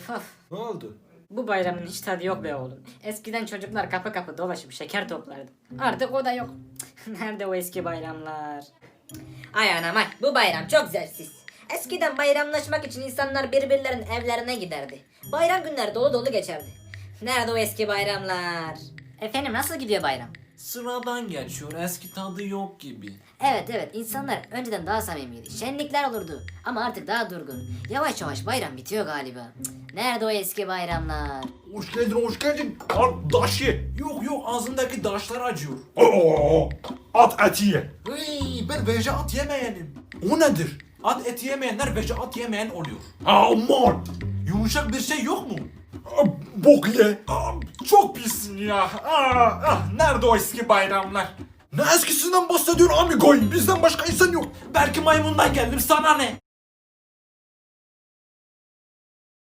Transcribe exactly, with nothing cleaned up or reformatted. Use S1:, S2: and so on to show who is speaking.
S1: Of of.
S2: Ne oldu?
S1: Bu bayramın hiç tadı yok be oğlum. Eskiden çocuklar kapı kapı dolaşıp şeker toplardı. Artık o da yok. Nerede o eski bayramlar?
S3: Ay anam ay, bu bayram çok zevksiz. Eskiden bayramlaşmak için insanlar birbirlerinin evlerine giderdi. Bayram günleri dolu dolu geçerdi. Nerede o eski bayramlar?
S1: Efendim nasıl gidiyor bayram?
S4: Sıradan geçiyor, eski tadı yok gibi.
S1: Evet evet, insanlar önceden daha samimiydi. Şenlikler olurdu ama artık daha durgun. Yavaş yavaş bayram bitiyor galiba. Cık, nerede o eski bayramlar?
S2: Hoş geldin, hoş geldin. Al daş ye.
S4: Yok yok, ağzındaki daşlar acıyor.
S2: Oo, at eti ye.
S4: Hıy, ben veje at yemeyenim. O nedir? At eti yemeyenler veje at yemeyen oluyor.
S2: Aman.
S4: Yumuşak bir şey yok mu?
S2: Aa, bok ye.
S4: Aa, çok pissin ya. Aa, ah, nerede o eski bayramlar?
S2: Ne eskisinden bahsediyorsun amigoy? Bizden başka insan yok.
S4: Belki maymundan geldim, sana ne?